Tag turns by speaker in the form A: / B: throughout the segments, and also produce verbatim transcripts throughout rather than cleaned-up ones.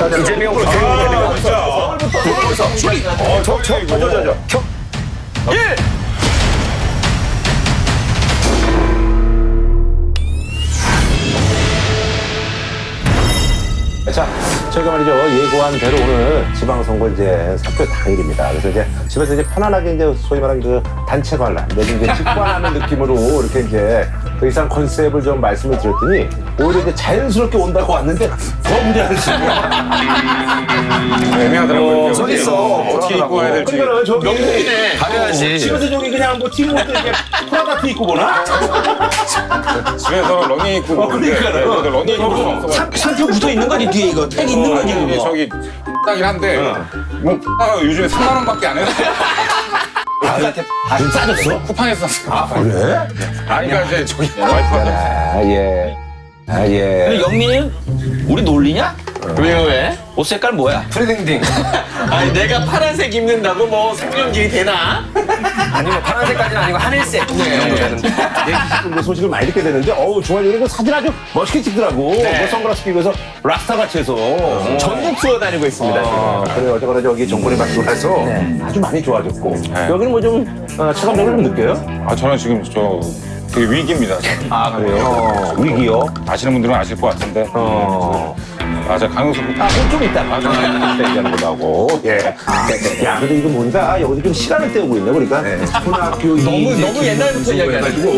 A: 이재명으로 되는 거 진짜.
B: 서울부터 출입.
A: 어, 저, 저, 저, 저, 저, 저.
B: 일.
A: 자, 저희가 말이죠. 예고한 대로 오늘 지방선거 이제 사표 당일입니다. 그래서 이제 집에서 이제 편안하게 이제 소위 말하는 그 단체 관람, 내지 이제 직관하는 느낌으로 이렇게 이제 더 이상 컨셉을 좀 말씀을 드렸더니 오히려 이제 자연스럽게 온다고 왔는데 더 무리하는 식이야.
B: 애매하더라고요.
A: 서 있어.
B: 어떻게 입고 와야 될지.
A: 그러니까 저 명동이네.
B: 가려야지.
A: 집에서 저기 그냥 뭐 팀옷도 이렇게 프라다 티 입고 보나?
B: 집에서는 러닝 입고 보는데
A: 그러니까요.
B: 네, 러닝 입고 없어가지고.
C: 상표 붙어 있는 거니 뒤에 이거 택 있는 거니
B: 이게
C: 그거.
B: 저기 딱이긴 한데 뭐 X가 요즘에 삼만 원밖에 안 해요.
A: 좀 싸졌어?
B: 쿠팡에서 샀어요.
A: 아, 그래?
B: 아니 그러니까 이제 저기 와이프가
A: 아, 예. 아, 예.
C: 영민 우리 놀리냐? 왜요 왜? 옷 색깔 뭐야?
B: 프리딩딩.
C: 아니 내가 파란색 입는다고 뭐 생명질이 되나?
D: 아니 뭐 파란색까지는 아니고 하늘색 이 정도 되는데.
A: 뭐 소식을 많이 듣게 되는데, 어우, 중환이 그 사진 아주 멋있게 찍더라고. 뭐 선글라스 끼고 해서 락스타 같이 해서.
C: 전국 투어 다니고 있습니다.
A: 아, 그래, 어쨌거나 저기 정권이 바뀌고 나서 아주 많이 좋아졌고. 여기는 뭐 좀, 어, 체감적으로 좀 느껴요?
B: 아 저는 지금 저 되게 위기입니다.
A: 아, 그래요? 어, 위기요?
B: 아시는 분들은 아실 것 같은데.
A: 어.
B: 아 제가 강용석
A: 아, 그건 좀 이따. 아, 좀 이따 얘기하는 거도 하고. 예. 야, 근데 이거 뭔가, 여기서 좀 시간을 때우고 있네, 보니까. 초등학교
C: 너무- 너무 옛날부터 이야기하시고.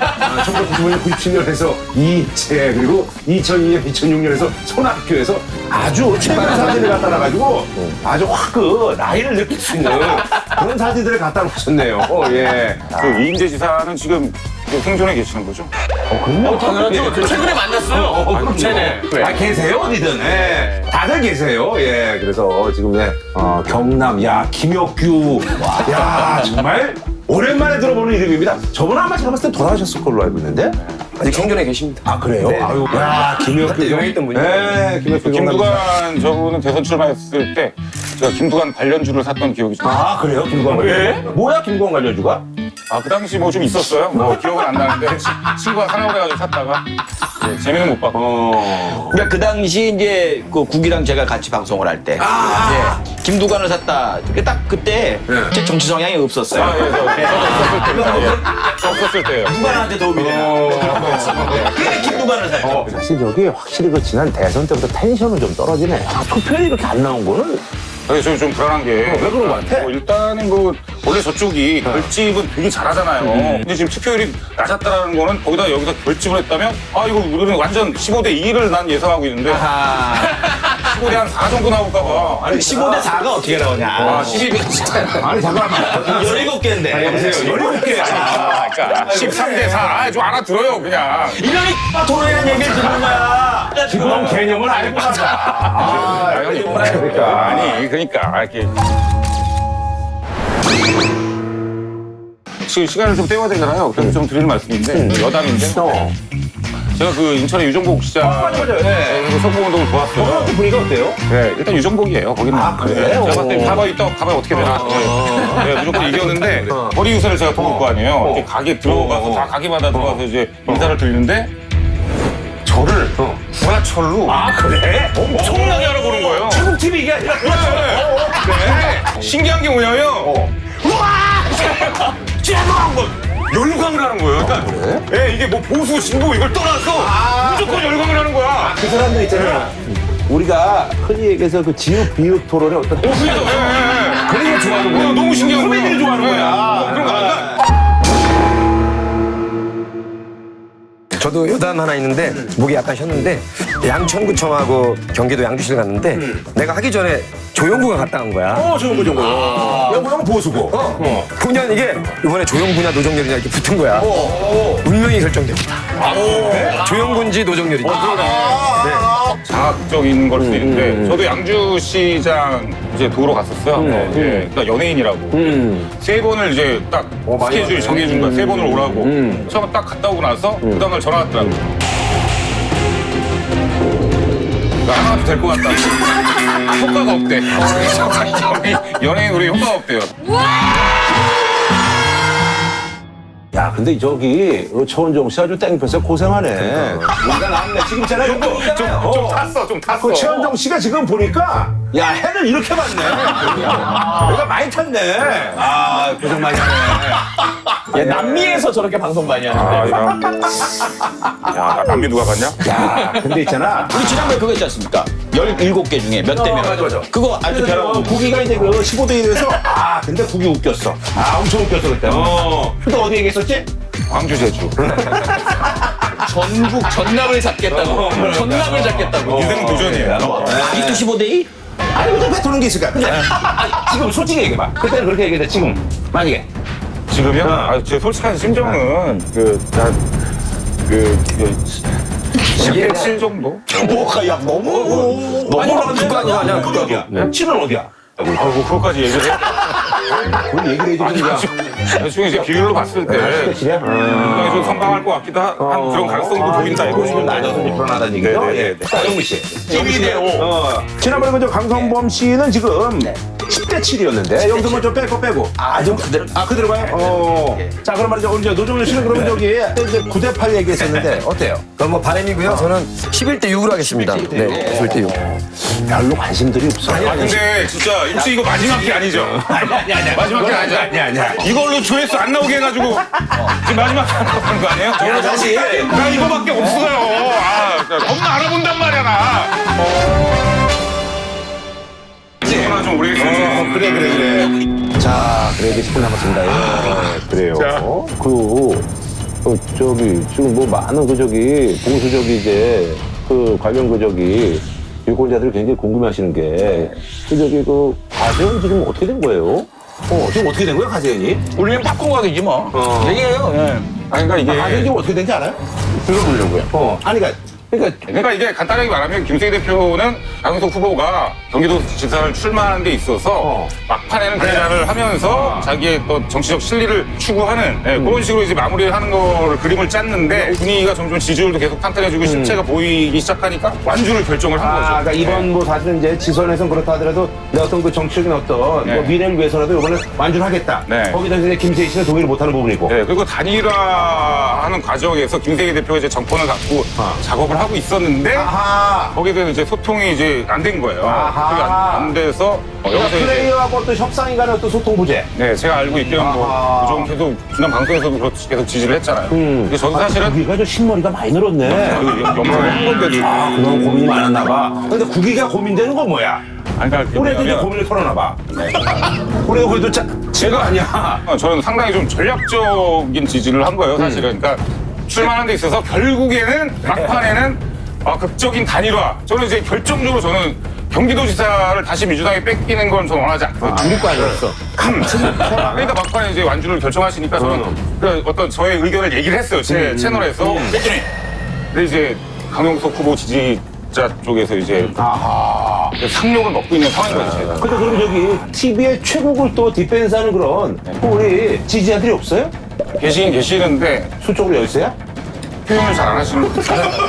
A: 천구백구십칠 년에서 이체, 그리고 이천이 년, 이천육 년에서 손학교에서 아주 최근 사진을 갖다 놔가지고 아주 확 그 나이를 느낄 수 있는 그런 사진들을 갖다 놓으셨네요. 어, 예.
B: 그 이인재 지사는 지금 생존해 계시는 거죠?
A: 어, 그럼요.
C: 당연하죠. 최근에 만났어요.
A: 어, 그럼 네네. 아, 계세요, 어디든. 예. 다들 계세요. 예. 그래서 지금, 네, 어, 경남, 야, 김혁규. 야, 정말 오랜만에 들어보는 이름입니다. 저번에 아마 제가 봤을 때 돌아가셨을 걸로 알고 있는데.
D: 아직 생존해 계십니다.
A: 아, 그래요? 아유, 야, 김혁규.
D: 한때 유명했던 분이요.
A: 네, 김혁규. 경남.
B: 김두관 저분은 대선 출마했을 때 제가 김두관 관련주를 샀던 기억이 좀.
A: 아, 그래요? 김구한 관련주? 뭐야, 김구한 관련주가?
B: 아, 그 당시 뭐 좀 있었어요. 뭐 기억은 안 나는데 치- 친구가 사라고 해가지고 샀다가 네, 재미는 못 봤고.
A: 어.
C: 그러니까 그 당시 이제 그 국이랑 제가 같이 방송을 할 때, 예, 김두관을 샀다. 그게 딱 그때 제 정치 성향이 없었어요.
B: 아, 예, 저, 저도 없었을 때입니다. 예. 저 없었을 때예요.
C: 누구한테 도움이 되나? 그래 김두관을 샀죠.
A: 어, 사실 저기 확실히 그 지난 대선 때부터 텐션은 좀 떨어지네. 아, 투표율이 이렇게 안 나온 거는
B: 그래서 좀, 좀 불안한 게.
A: 왜 그런 거 같아?
B: 뭐 일단은 뭐, 원래 저쪽이 결집은 되게 잘하잖아요. 근데 지금 투표율이 낮았다라는 거는 거기다 여기서 결집을 했다면, 아, 이거 우리는 완전 십오 대 이를 난 예상하고 있는데,
C: 아,
B: 십오 대 한 사 정도 나올까봐.
C: 아니 십오 대 사가 어떻게 나오냐?
B: 아, 십이 대 진짜.
A: 아니 잠깐만.
C: 열일곱 개인데.
A: 열일곱 개.
B: 아, 그러니까 십삼 대 사. 아, 좀 알아들어요, 그냥.
C: 이놈이 토론이라는 얘기를 듣는 거야.
A: 그런 개념을 알고 가자. 아,
B: 아, 형님.
A: 그러니까.
B: 아니, 그러니까. 이렇게. 지금 시간을 좀 때워야 되잖아요. 그래서 좀 드리는 말씀인데, 여담인데.
A: 어.
B: 제가 그 인천의 유정복 시장.
A: 맞아, 맞아. 예.
B: 그 선거운동을 도왔어요.
A: 거기 분위기가 어때요?
B: 네, 일단 유정복이에요. 거기는.
A: 아, 그래요?
B: 네, 제가 봤을 때 가봐야 있다, 가봐야 어떻게 되나. 네, 네, 무조건 이겼는데, 거리 유세를 제가 도울 거 아니에요. 이렇게 가게 들어가서, 다 가게마다 들어가서 이제 인사를 드리는데, 저를 구하철로
A: 아, 그래?
B: 엄청나게 알아보는 거예요.
A: 중국 티비 이게 아니라.
B: 네. 신기한 게 뭐냐면, 우와! 쟤한 번! 열광을 하는 거예요. 그러니까, 예, 이게 뭐 보수, 진보 이걸 떠나서 무조건 열광을 하는 거야.
A: 그 사람들 있잖아. 우리가 흔히 얘기해서 그 지읒 비읒 토론의 어떤
B: 어, 그래서, 예, 예.
A: 그런 거 좋아하는 거야.
B: 너무 신기한 거야.
A: 코미디를 좋아하는
B: 예.
A: 거야.
B: 그런 거 안
D: 저도 여담 하나 있는데 목이 약간 쉬었는데 양천구청하고 경기도 양주시를 갔는데 내가 하기 전에 조영구가 갔다 간 거야.
A: 어, 좋은 거, 좋은 거. 영구형 보수고. 어.
D: 그냥 이게 이번에 조영구냐 노정렬이냐 이렇게 붙은 거야. 운명이 결정됩니다. 조영구인지 노정렬인지.
B: 자학적인 걸 수도 있는데 저도 양주시장 이제 도로 갔었어요. 네, 그러니까 연예인이라고 세 번을 이제 딱 스케줄 정해준 거야. 세 번을 오라고. 처음 딱 갔다 오고 나서 그 다음날 전화 왔더라고. 나 하나도 될 것 같다. 효과가 없대. 연예인, 연예인 우리 효과가 없대요.
A: 야, 근데 저기 어, 최원정 씨 아주 땡볕에 고생하네. 와가 나왔네. 지금 있잖아. 좀,
B: 좀, 좀 탔어, 좀 탔어.
A: 그 최원정 씨가 지금 보니까 야, 해를 이렇게 봤네. 내가 많이 탔네. 아, 고생 많이 하네.
E: 야, 남미에서 저렇게 방송 많이
B: 아,
E: 하는데.
B: 야, 야, 나 남미 누가 갔냐?
A: 야, 근데 있잖아.
C: 우리 지난번에 그거 있지 않습니까? 열일곱 개 중에 몇 대 몇.
A: 맞아, 맞아.
C: 그거 아주
A: 그래서
C: 벼랑
A: 국이가 이제 그 십오 대 일에서 아, 근데 국이 웃겼어. 아, 엄청 웃겼어 그때. 어. 근데 어디 얘기했었지?
B: 광주 제주.
E: 전국 전남을 잡겠다고. 전남을 잡겠다고.
B: 인생 도전이에요.
C: 아직도 십오 대 이?
A: 아니, 근데 뱉어놓은 게 있을까? 근데 아니, 지금 솔직히 얘기해봐. 그때는 그렇게 얘기했는데 지금 만약에
B: 지금요? 아, 제 솔직한 심정은 그, 나, 그, 그, 십 대 칠 정도?
A: 뭐가 야 너무 너무
D: 극단이야, 아니야,
A: 극단이야. 칠은 어디야?
B: 아이고, 그거까지 얘기를 해.
A: 그걸 얘기를 해주는 거야.
B: 나중에 이제 비율로 봤을 때.
A: 칠이야?
B: 굉장히 좀 선방할 것 같기도 한 그런 가능성도 보인다, 이거
A: 지금
B: 지금.
A: 낮아서 좀 불안하다는 얘기죠?
B: 네, 네,
A: 예.
B: 네.
A: 자, 영미 씨.
E: 일 대 오.
A: 어, 지난번에 그저 강성범 씨는 지금 십 대 칠이었는데 여기서 뭐 좀 빼고 빼고.
C: 아, 좀 그대로.
A: 아, 그대로 가요? 어. 자, 그럼 말이죠. 우리 이제 노정현 씨는 그러면 저기 이제 구 대 팔 얘기했었는데 어때요?
D: 그럼 뭐 바람이고요. 저는 십일 대 육으로 하겠습니다. 네, 십일 대 육.
A: 별로 관심들이 없어.
B: 아, 근데 진짜 혹시 이거 마지막 게 아니죠?
A: 아니, 아니, 아니.
B: 마지막 게 아니죠?
A: 아니, 아니야.
B: 이걸로 조회수 안 나오게 해가지고 지금 마지막 게 나오는 거 아니에요?
A: 야, 다시.
B: 나 이거밖에 없어요. 아, 겁나 알아본단 말이야, 나. 이거나 좀 오래 했으면
A: 그래, 그래, 그래. 자, 그래, 이제 십 분 남았습니다. 예, 그래요.
B: 자.
A: 그, 어, 저기, 지금 뭐 많은 그 저기, 보수적이 이제, 그 관련 그 저기, 유권자들이 굉장히 궁금해 하시는 게, 그 저기, 그, 가세현 지금 어떻게 된 거예요? 어, 지금 어떻게 된 거예요, 가세현이?
C: 우리는 바꾼거이지 뭐.
A: 어.
C: 얘기해요. 예.
B: 아니, 그러니까 이게.
A: 가세현이 지금 어떻게 된지 알아요? 들어보려고요. 어, 아니, 그러니까, 그러니까,
B: 그러니까 이게 간단하게 말하면 김세희 대표는 강용석 후보가 경기도지사를 출마하는 데 있어서
A: 어.
B: 막판에는 대자를 하면서 자기의 또 정치적 실리를 추구하는 예, 그런 식으로 이제 마무리를 하는 거를 그림을 짰는데 분위기가 점점 지지율도 계속 탄탄해지고 실체가 보이기 시작하니까 완주를 결정을 한
A: 아,
B: 거죠.
A: 그러니까 이번 뭐 사실은 이제 지선에선 그렇다 하더라도 내 어떤 그 정치적인 어떤
B: 네.
A: 뭐 미래를 위해서라도 이번에 완주를 하겠다.
B: 네.
A: 거기다 이제 김세희 씨는 동의를 못하는 부분이고.
B: 네, 그리고 단일화하는 과정에서 김세희 대표가 이제 정권을 갖고
A: 아.
B: 작업을 하고 있었는데
A: 아하.
B: 거기에 대해서 이제 소통이 이제 안 된 거예요.
A: 아하.
B: 그게 안, 안 돼서 어,
A: 그러니까
B: 여기서 이제
A: 플레이어하고 어떤 협상이 간의 어떤 소통 부재.
B: 네, 제가 알고 있기로는
A: 아하.
B: 뭐, 좀 계속, 지난 방송에서도 그렇- 계속 지지를 했잖아요. 근데 저도 사실은,
A: 국기가 좀 신머리가 많이 늘었네.
B: 염색을 한 건데도.
A: 아, 그동안 고민이 많았나 봐. 근데 국기가 고민되는 건 뭐야?
B: 아니, 그러니까
A: 올해도 이제
B: 뭐냐면
A: 고민을 털어놔 봐. 올해 그래도 짜, 제가 아니야.
B: 어, 저는 상당히 좀 전략적인 지지를 한 거예요, 사실은. 그러니까 출마하는 데 있어서 결국에는, 막판에는, 아, 극적인 단일화. 저는 이제 결정적으로 저는 경기도지사를 다시 민주당에 뺏기는 건 저는 원하지 않거든요.
A: 아, 우리 거 아니었어.
B: 그러니까 막판에 이제 완주를 결정하시니까 저는 그 어떤 저의 의견을 얘기를 했어요. 제 채널에서. 그랬더니 근데 이제 강용석 후보 지지자 쪽에서 이제
A: 아하.
B: 상욕을 먹고 있는 상황인 거죠, 제가.
A: 근데 그럼 저기 티비의 최고를 또 디펜스하는 그런 그 우리 지지자들이 없어요?
B: 계시긴 계시는데
A: 수적으로 열세야?
B: 표현을 잘 안 하시는 분들.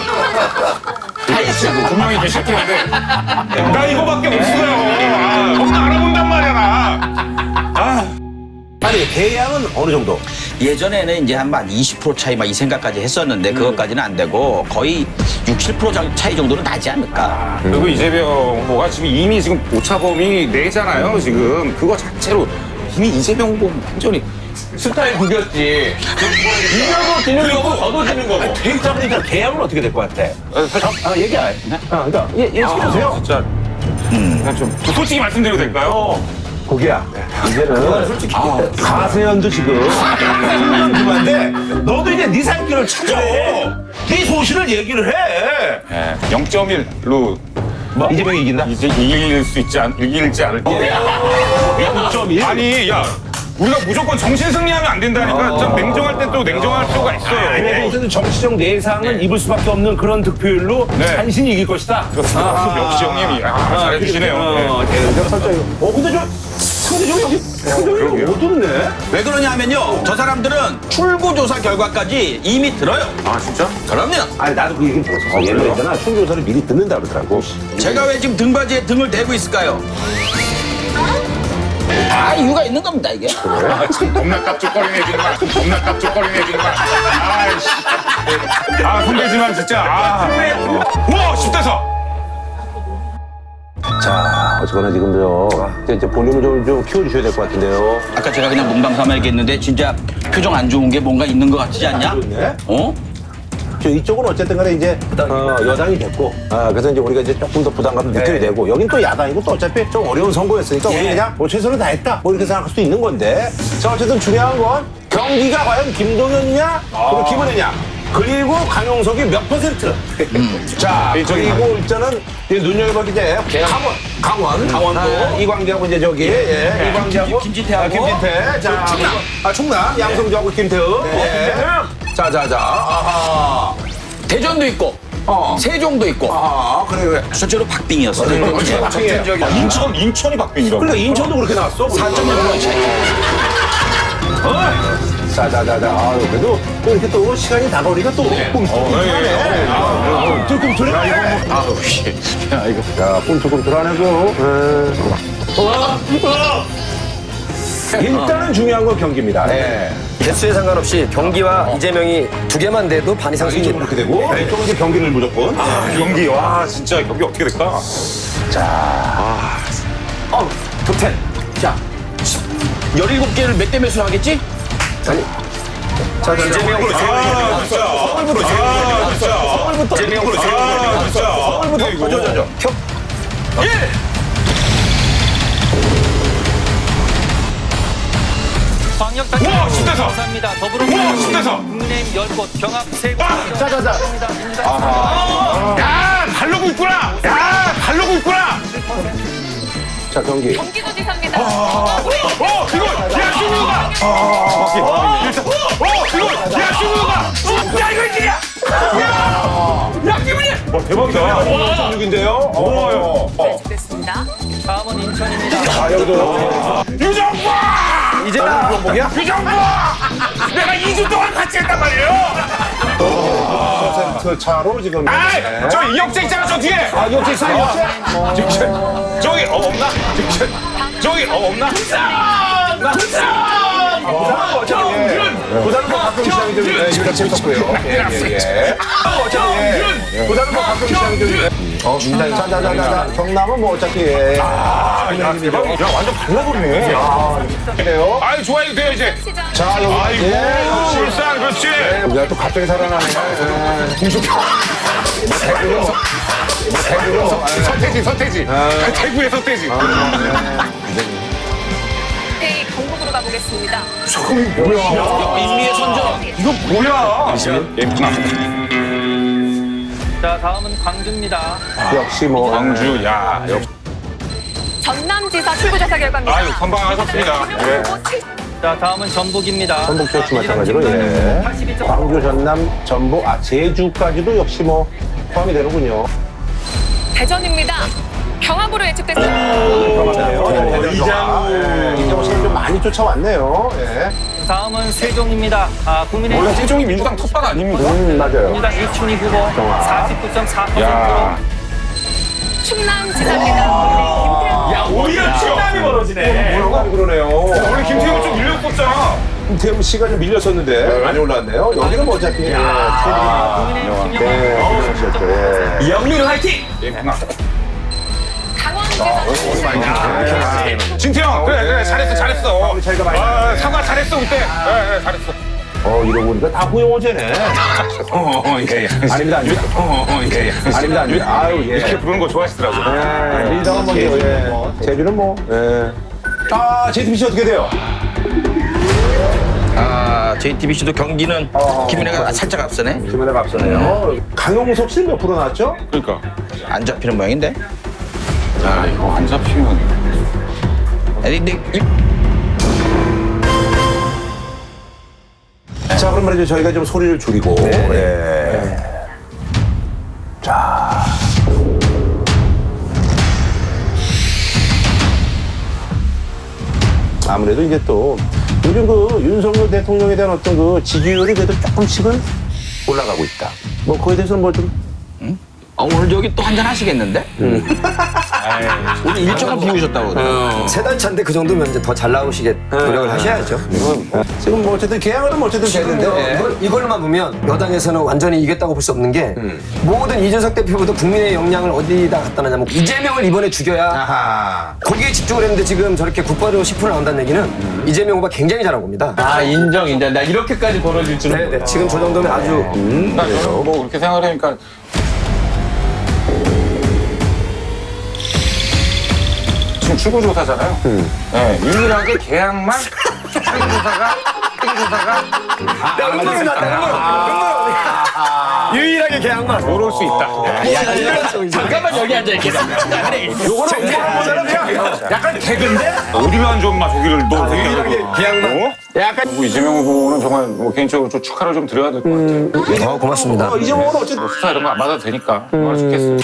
B: 분명히 계실 텐데 나 이거밖에 없어요. 아, 겁나 알아본단 말이야, 나. 아.
A: 아니 대양은 어느 정도?
C: 예전에는 이제 한 이십 퍼센트 차이 막 이 생각까지 했었는데 그것까지는 안 되고 거의 육, 칠 퍼센트 차이 정도는 나지 않을까.
B: 그리고 이재명 후보가 지금 이미 지금 오차범위 내잖아요, 지금. 그거 자체로 이미 이재명 후보 완전히
E: 스타일 구겼지. 이겨도 지는 거고 저도 지는 거고.
A: 대양이니까 대양은 어떻게 될 것 같아?
B: 어, 사실
A: 아 얘기해. 아 그러니까 예, 예 시켜주세요.
B: 진짜 그냥 좀 솔직히 말씀드려도 될까요?
A: 고기야. 이제는 솔직히 가세현도 지금 그만데 너도 이제 네 살 길을 찾아. 네 소신을 얘기를 해.
B: 네, 영 점 일로
A: 뭐? 이재명이 이긴다?
B: 이제 이길 수 있지 않, 이길지 않을지.
A: 영 점 일?
B: 아니, 야, 우리가 무조건 정신 승리하면 안 된다니까. 좀 냉정할 때 또 냉정할 필요가 있어요.
A: 아니, 무슨 정치적 내상은 입을 수밖에 없는 그런 득표율로
B: 네.
A: 간신히 이길 것이다.
B: 그렇습니다. 역시 형님이 아, 잘해주시네요. 네.
A: 어, 대응 설정이. 어, 근데 좀 상대적으로 여기 상대적으로 어둡네.
C: 왜 그러냐면요. 저 사람들은 출구조사 결과까지 이미 들어요.
B: 아, 진짜?
C: 그럼요.
A: 아니 나도 그 얘기를 들었어. 얘는 있잖아. 총조사를 미리 듣는다 그러더라고.
C: 제가 왜 지금 등받이에 등을 대고 있을까요? 다 이유가 있는 겁니다 이게.
B: 아, 참 겁나 깝죽거리네 정말. 겁나 깝죽거리네 정말. 아이씨. 아 선배지만 진짜. 아. 와 십 대 사.
A: 자, 어쨌거나 지금 저 이제, 이제 볼륨을 좀, 좀 키워주셔야 될 것 같은데요.
C: 아까 제가 그냥 농담삼아 얘기했는데 진짜 표정 안 좋은 게 뭔가 있는 것 같지 않냐?
A: 네?
C: 어?
A: 저 이쪽은 어쨌든 간에 이제 어, 여당이 됐고, 아, 그래서 이제 우리가 이제 조금 더 부담감을 느끼게 되고, 여긴 또 야당이고 또 어차피 좀 어려운 선거였으니까 우리 그냥 뭐 최선을 다했다 뭐 이렇게 생각할 수도 있는 건데, 자 어쨌든 중요한 건 경기가 과연 김동연이냐 그리고 김은혜냐 그리고 강용석이 몇 퍼센트. 자 그리고 일단은 이제 눈여겨볼 게 이제 강원, 강원, 강원도 아, 이광재하고 이제 저기 예, 이광재하고
C: 김- 김진태하고.
A: 아, 김진태, 자 충남, 아 충남 양성주하고 김태우. 예. 자자자, 아하.
C: 대전도 있고
A: 어.
C: 세종도 있고
A: 아, 그래, 그래.
C: 실제로 박빙이었어.
A: 그렇지, 박빙이에요.
B: 아, 인천 인천이 박빙이라고.
A: 그러니까 인천도 그렇게 나왔어.
C: 사 점 일 포인트 차이.
A: 자자자자. 아유, 그래도 또 이렇게 또 시간이 다가오니까 또 꿈틀꿈틀하네. 꿈틀꿈틀해.
C: 아우 씨. 야 이거.
A: 야, 꿈틀꿈틀하네고. 일단은 중요한 건 경기입니다. 예.
D: 개수에 상관없이 경기와 이재명이 두 개만 돼도 반 이상
A: 이쪽은
D: 승리입니다.
A: 그렇게 되고, 이쪽은 이제 경기를 무조건.
B: 아, 경기 와 진짜 경기 어떻게 될까?
C: 어, 톱텐. 자, 열일곱 개를 몇 대 몇으로 하겠지?
A: 아니. 자, 자, 이재명.
B: 아 진짜. 서울부터 아 진짜.
C: 서울부터.
B: 재명으로 아 진짜.
C: 서울부터.
B: 이거.
C: 저, 저, 저. 겨.
F: 광역단체
B: 우와, 십 대 사.
F: 감사합니다.
B: 우와, 십 대
F: 더불어민주당
B: 사.
F: 국내임 열 곳 경합 세 곳.
A: 자, 자, 자.
B: 야 발로고 있구나. 야 발로고 있구나.
A: 자, 경기.
G: 경기도지사입니다.
B: 어 이거 야 신우가. 어 일단 어 이거 야 신우가. 진짜 이거 일이야. 야 기분이. 와 대박이다.
A: 육인데요. 어. 어.
G: 됐습니다.
F: 다음은 인천입니다.
A: 아, 여기도.
B: 유정과.
A: 이제 뭐야?
B: 유정과. 내가 이 주 동안 같이 했단 말이에요.
A: 퍼센트 차로 지금.
B: 아이 저 이혁재 있잖아 저 뒤에.
A: 아, 이혁재 있어요, 이혁재?
B: 저기 저기 어 없나? 저기 저기 어 없나?
A: 부산은 뭐 가끔 시장이 좀 유력 재밌었고요. 예, 예, 예. 부산은 뭐 가끔 시장이 좀. 어, 민주당. 자자자자. 경남은 뭐 어차피. 예.
B: 아, 야, 대박. 야, 완전 발라버리네.
A: 아, 그래요?
B: 아이, 좋아요, 돼요, 이제.
G: 시장
A: 자, 여기.
B: 아이고,
A: 예.
B: 울산, 그렇지.
A: 우리가 또 갑자기 살아나네.
B: 서태지, 서태지. 대구의 서태지.
G: 네, 경북으로 가보겠습니다.
C: 인미의 선전.
B: 이거 뭐야?
F: 자, 다음은 광주입니다.
A: 역시 뭐.
B: 광주, 야, 역시.
G: 전남지사 출구조사 결과입니다.
B: 아유, 선방하셨습니다. 예.
F: 자, 다음은 전북입니다.
A: 전북 역시 마찬가지로, 예.
F: 팔십이 점
A: 광주, 전남, 전북, 아, 제주까지도 역시 뭐 포함이 되는군요.
G: 대전입니다. 경합으로 예측됐습니다.
A: 어, 이장우. 이장우 씨가 좀 많이 쫓아왔네요. 예.
F: 다음은 세종입니다. 아, 국민의힘
B: 원래 세종이 민주당 텃밭 아닙니까?
A: 음, 맞아요.
F: 민주당 이춘희 후보 사십구 점 사 퍼센트로
B: 야.
G: 충남지사입니다.
B: 야, 오히려 충남이 벌어지네.
A: 뭐라고 그러네요.
B: 원래 김태형은 좀 밀렸었잖아.
A: 김태형 씨가 좀 밀렸었는데 많이 올라왔네요. 여기는 뭐 어차피. 예.
F: 국민의힘
A: 네,
F: 김영환
A: 그렇죠. 예.
B: 이영민은 화이팅!
G: 강원지사
B: 진태형, 그래, 그래, 잘했어, 잘했어.
A: 차이가 많이
B: 아,
A: 나네.
B: 사과 잘했어, 그때. 예, 예, 잘했어.
A: 어, 이러고 보니까 다 후영호제네.
B: 어, 어, 예, 예.
A: 아닙니다, 아닙니다.
B: 어, 어, 예, 예.
A: 아닙니다, 아닙니다. 아유, 예.
B: 이렇게 부르는 거 좋아하시더라고요.
A: 예, 리더는 뭐, 예. 제주는 뭐, 예. 아, 제이티비씨 어떻게 돼요?
C: 아, 제이티비씨도 경기는 김은혜가 살짝 앞서네.
A: 김은혜가 앞서네요. 강용석 씨는 몇 프로 나왔죠?
B: 그러니까.
C: 안 잡히는 모양인데.
B: 아, 이거 안 잡히면.
C: 아니, 근데 이-
A: 자, 그럼 말이죠. 저희가 좀 소리를 줄이고. 예. 자. 아무래도 이제 또 요즘 그 윤석열 대통령에 대한 어떤 그 지지율이 그래도 조금씩은 올라가고 있다. 뭐 그거에 대해서는 뭐 좀
C: 아, 오늘 여기 또 한잔 하시겠는데? 오늘 일정을 비우셨다고 그래요.
D: 세 달 차인데 그 정도면 이제 더 잘 나오시게 노력을 하셔야죠.
A: 지금 뭐 어쨌든 계약은 뭐 어쨌든 되는데.
D: 어, 이걸, 이걸로만 보면 여당에서는 완전히 이겼다고 볼 수 없는 게 모든 이준석 대표보다 국민의 역량을 어디다 갖다 놨냐면 이재명을 이번에 죽여야
A: 아하.
D: 거기에 집중을 했는데 지금 저렇게 국바로 십 퍼센트 나온다는 얘기는 이재명 후보가 굉장히 잘한 겁니다.
E: 아 인정 인정. 나 이렇게까지 벌어질 줄은
D: 네네.
E: 몰라.
D: 지금 저 정도면 아주
B: 그러니까 저는 뭐 그렇게 생각을 하니까 지금 출구조사잖아요. 네, 유일하게 계약만 출구조사가 출구조사가
D: 음모론 났다. 유일하게 계약만.
B: 요럴 수 있다.
C: 잠깐만 여기 앉아 있겠어.
B: 요거는 um모론보다는 그냥 약간 개그인데 어디만 좀 막 저기를 너
D: 유일하게 계약만.
B: 어? 약간 뭐 이재명 후보는 정말 뭐 개인적으로 좀 축하를 좀 드려야 될 것 같아요.
D: 어, 고맙습니다.
A: 어, 이제 뭐 어쨌든
B: 뭐 수사 이런 거 안 받아도 되니까 얼마나 좋겠어.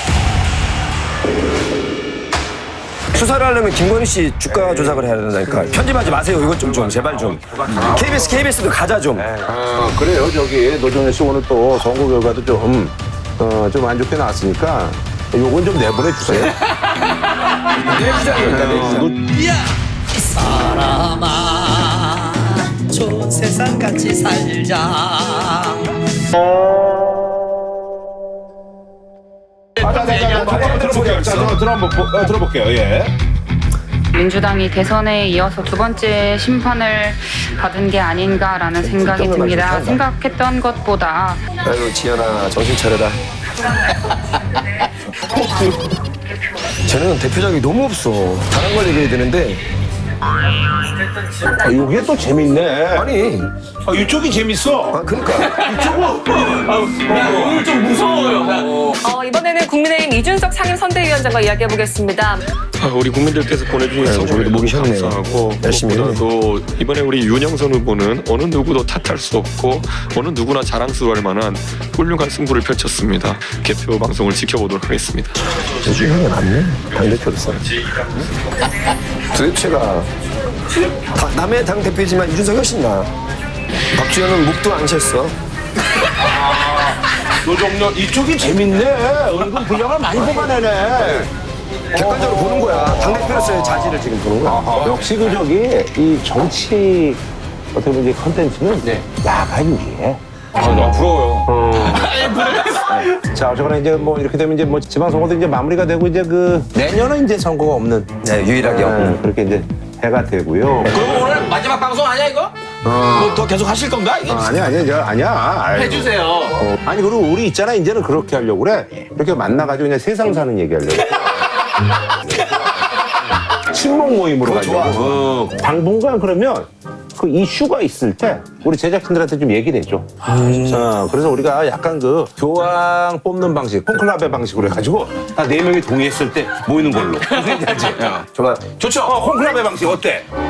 D: 수사를 하려면 김건희 씨 주가 조작을 해야 된다니까. 편집하지 마세요. 이것 좀 좀 제발 좀. 케이비에스 케이비에스도 가자 좀.
A: 아, 그래요. 저기 노정현 씨 오늘 또 선거 결과도 좀, 어, 좀 안 좋게 나왔으니까 요건 좀 내보내 주세요.
D: 내주장이니까 내주장.
H: 이 사람아 좋은 세상 같이 살자.
A: 아, 자, 자, 자, 자, 한번 들어볼게요. 자, 저, 들어 한번 보- 어, 들어볼게요. 예.
I: 민주당이 대선에 이어서 두 번째 심판을 받은 게 아닌가라는 생각이 듭니다. 생각했던 것보다
D: 아유 지연아 정신 차려라. 쟤는 대표작이 너무 없어. 다른 걸 얘기해야 되는데
A: 아, 요게 또 재밌네.
D: 아니
A: 아, 이쪽이 재밌어.
D: 아 그러니까
E: 나 오늘 좀 무서워요. 나.
G: 어, 이번에는 국민의힘 이준석 상임선대위원장과 이야기해보겠습니다.
J: 아, 우리 국민들께서 보내주신
D: 아유,
J: 선물에
D: 저희도 목이
J: 너무
D: 쉬었네요.
J: 감사하고
D: 열심히
J: 무엇보다도 이번에 우리 윤영선 후보는 어느 누구도 탓할 수 없고 어느 누구나 자랑스러워할 만한 훌륭한 승부를 펼쳤습니다. 개표 방송을 지켜보도록 하겠습니다.
D: 요즘 형이 낫네. 당대표로서. 도대체가 다, 남의 당 대표지만 이준석 훨씬 나. 박주현은 목도 안 챘어.
A: 노정현 이쪽이 재밌네. 은근 분량을 많이 뽑아내네.
D: 객관적으로 보는 거야. 당 대표로서의 자질을 지금 보는 거야.
A: 역시 그 저기 이 정치 어떻게 보면 이제 컨텐츠는 야가 유리해.
B: 아, 너무 부러워요.
A: 자, 어쨌거나 이제 뭐 이렇게 되면 이제 뭐 지방선거도 이제 마무리가 되고 이제 그 내년은 이제 선거가 없는.
D: 네, 유일하게
A: 네,
D: 없는.
A: 그렇게 이제 해가 되고요.
C: 그럼 오늘 마지막 방송 아니야 이거? 뭐 더 계속 하실 건가? 이게?
A: 어, 아니야, 아니야, 저, 아니야. 아유.
E: 해주세요.
A: 어, 아니 그리고 우리 있잖아 이제는 그렇게 하려고 그래. 이렇게 만나가지고 그냥 세상 사는 얘기 하려고. 친목 모임으로 가지고. 어, 당분간 그러면 그 이슈가 있을 때 우리 제작진들한테 좀 얘기를 해줘. 어, 그래서 우리가 약간 그 교황 뽑는 방식, 콘클라베 방식으로 해가지고 다 네 명이 동의했을 때 모이는 걸로.
D: 좋아.
A: 좋죠. 어, 콘클라베 방식 어때?